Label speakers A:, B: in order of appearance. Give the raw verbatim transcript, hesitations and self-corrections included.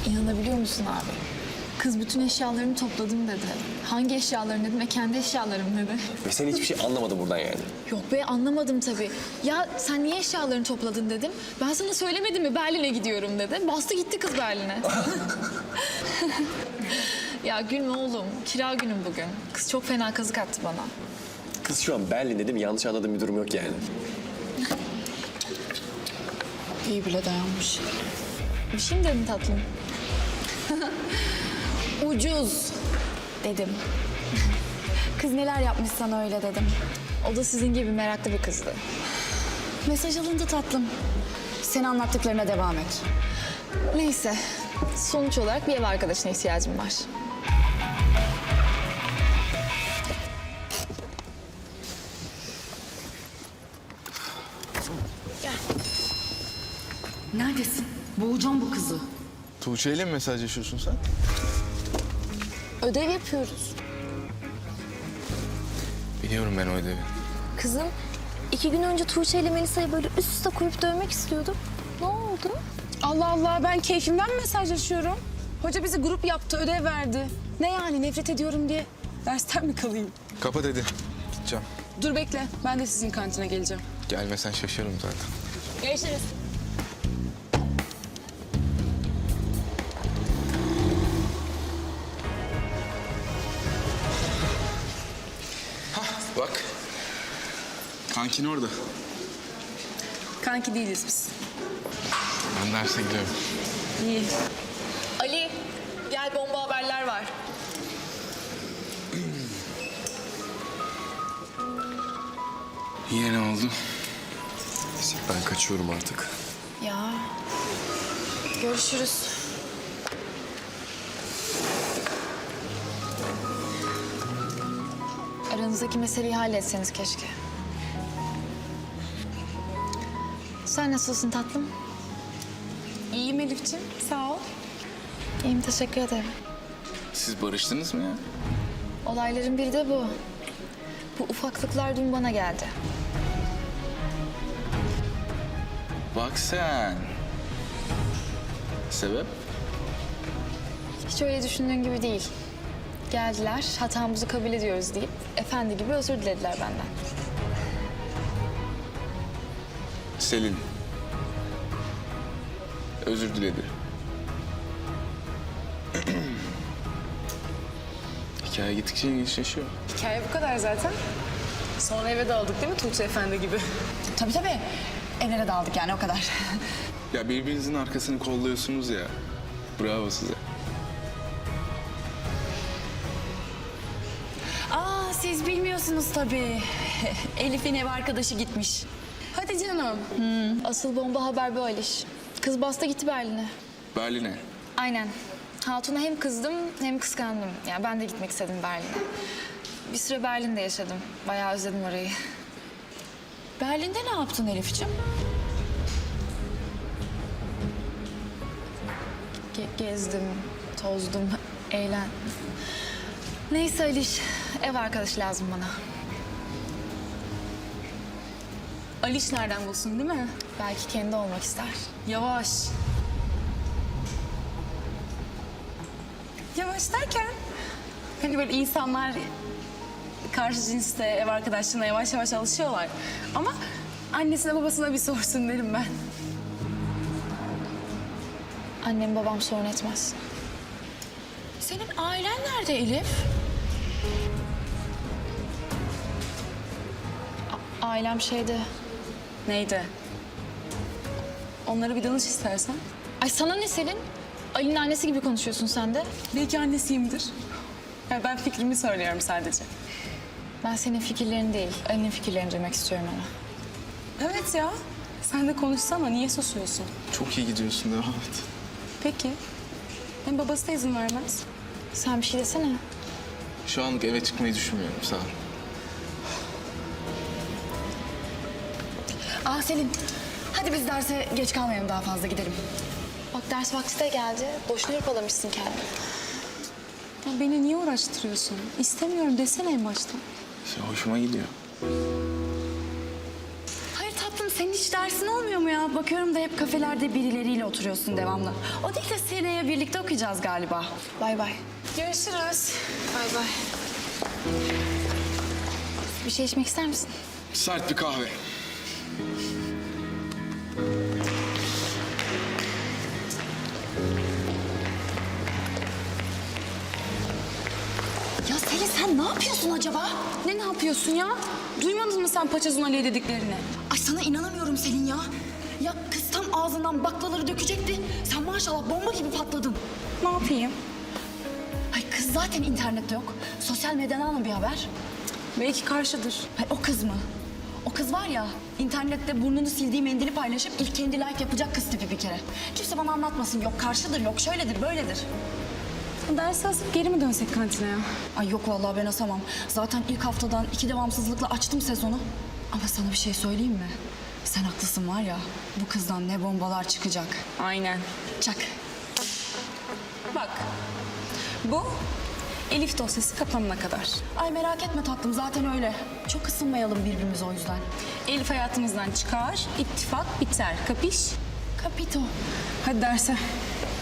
A: İnanabiliyor musun abi? Kız bütün eşyalarımı topladım dedi. Hangi eşyalarım dedim ve kendi eşyalarım dedi.
B: Ve sen hiçbir şey anlamadın buradan yani.
A: Yok be anlamadım tabii. Ya sen niye eşyalarını topladın dedim. Ben sana söylemedim mi Berlin'e gidiyorum dedi. Bastı gitti kız Berlin'e. Ya gülme oğlum. Kira günüm bugün. Kız çok fena kazık attı bana.
B: Kız şu an Berlin dedim, yanlış anladığım bir durum yok yani.
A: İyi bile dayanmış. Bir şey mi dedin tatlım? Ucuz dedim.
C: Kız neler yapmış sana öyle dedim.
A: O da sizin gibi meraklı bir kızdı.
C: Mesaj alındı tatlım. Sen anlattıklarına devam et.
A: Neyse. Sonuç olarak bir ev arkadaşına ihtiyacım var.
C: Neredesin? Boğacağım bu kızı.
D: Tuğçe ile mi mesajlaşıyorsun sen?
C: Ödev yapıyoruz.
D: Biliyorum ben o ödevi.
E: Kızım, iki gün önce Tuğçe ile Melisa'yı böyle üst üste koyup dövmek istiyordum. Ne oldu?
F: Allah Allah, ben keyfimden mi mesajlaşıyorum? Hoca bizi grup yaptı, ödev verdi. Ne yani, nefret ediyorum diye dersten mi kalayım?
D: Kapat hadi. Gideceğim.
F: Dur bekle, ben de sizin kantine geleceğim.
D: Gelmesen şaşarım zaten.
F: Görüşürüz.
D: Bak. Kankin orada.
F: Kanki değiliz biz.
D: Ben derse gidiyorum.
F: İyi.
A: Ali, gel bomba haberler var.
D: Yine ne oldu?
B: Neyse, ben kaçıyorum artık.
A: Ya, görüşürüz. Aranızdaki meseleyi halletseniz keşke. Sen nasılsın tatlım?
F: İyiyim Elif'ciğim, sağ ol.
A: İyiyim, teşekkür ederim.
D: Siz barıştınız mı ya?
A: Olayların biri de bu. Bu ufaklıklar dün bana geldi.
D: Bak sen. Sebep?
A: Hiç öyle düşündüğün gibi değil. Geldiler, hatamızı kabul ediyoruz deyip efendi gibi özür dilediler benden.
D: Selin. Özür diledi. Hikaye gittikçe ilginçleşiyor.
F: Hikaye bu kadar zaten. Sonra eve dağıldık değil mi Tuğçe Efendi gibi?
C: Tabii tabii. Evlere dağıldık yani o kadar.
D: Ya birbirinizin arkasını kolluyorsunuz ya. Bravo size.
C: Aa siz bilmiyorsunuz tabii. Elif'in ev arkadaşı gitmiş.
F: Hadi canım.
A: Asıl bomba haber bu Aliş. Kız bastı gitti Berlin'e.
D: Berlin'e.
A: Aynen. Hatun'a hem kızdım hem kıskandım. Yani ben de gitmek istedim Berlin'e. Bir süre Berlin'de yaşadım. Bayağı özledim orayı.
C: Berlin'de ne yaptın Elif'ciğim?
A: Ge- gezdim, tozdum, eğlen. Neyse Aliş, ev arkadaşı lazım bana.
F: Aliş nereden bulsun değil mi?
A: Belki kendi olmak ister.
F: Yavaş. Yavaş derken? Hani böyle insanlar karşı cinste ev arkadaşlığına yavaş yavaş alışıyorlar. Ama annesine babasına bir sorsun derim ben.
A: Annem babam sorun etmez.
C: Senin ailen nerede Elif?
A: A- ailem şeyde...
F: Neydi? Onlara bir danış istersen.
A: Ay sana ne Selin? Ali'nin annesi gibi konuşuyorsun sen de.
F: Belki annesiyimdir. Yani ben fikrimi söylüyorum sadece.
A: Ben senin fikirlerini değil, Ali'nin fikirlerini duymak istiyorum ama.
F: Evet ya. Sen de konuşsana. Niye susuyorsun?
D: Çok iyi gidiyorsun, devam et.
F: Peki. Hem babası da izin vermez.
A: Sen bir şey desene.
D: Şu anlık eve çıkmayı düşünmüyorum, sağ ol.
C: Aa Selin. Hadi biz derse geç kalmayalım daha fazla gidelim.
A: Bak ders vakti de geldi. Boşuna hırpalamışsın kendini.
F: Ya beni niye uğraştırıyorsun? İstemiyorum desene en başta.
D: Şey, hoşuma gidiyor.
C: Hayır tatlım senin hiç dersin olmuyor mu ya? Bakıyorum da hep kafelerde birileriyle oturuyorsun devamlı. O değil de seneye birlikte okuyacağız galiba.
A: Bay bay.
F: Görüşürüz.
A: Bay bay. Bir şey içmek ister misin?
D: Sert bir kahve.
C: Ya Selin sen ne yapıyorsun acaba?
F: Ne ne yapıyorsun ya? Duymadın mı sen Paçazun Ali'ye dediklerini?
C: Ay sana inanamıyorum Selin ya. Ya kız tam ağzından baklaları dökecekti. Sen maşallah bomba gibi patladın.
F: Ne yapayım?
C: Ay kız zaten internette yok. Sosyal medyadan mı bir haber?
F: Belki karşıdır.
C: Ay o kız mı? O kız var ya internette burnunu sildiği mendili paylaşıp ilk kendi like yapacak kız tipi bir kere. Kimse bana anlatmasın. Yok karşıdır, yok şöyledir, böyledir.
F: Dersi asıp geri mi dönsek kantine ya?
C: Ay yok vallahi ben asamam. Zaten ilk haftadan iki devamsızlıkla açtım sezonu. Ama sana bir şey söyleyeyim mi? Sen haklısın var ya, bu kızdan ne bombalar çıkacak.
F: Aynen.
C: Çak.
F: Bak, bu Elif dosyası kapanana kadar.
C: Ay merak etme tatlım, zaten öyle. Çok ısınmayalım birbirimize o yüzden.
F: Elif hayatımızdan çıkar, ittifak biter. Kapış?
C: Kapito.
F: Hadi derse.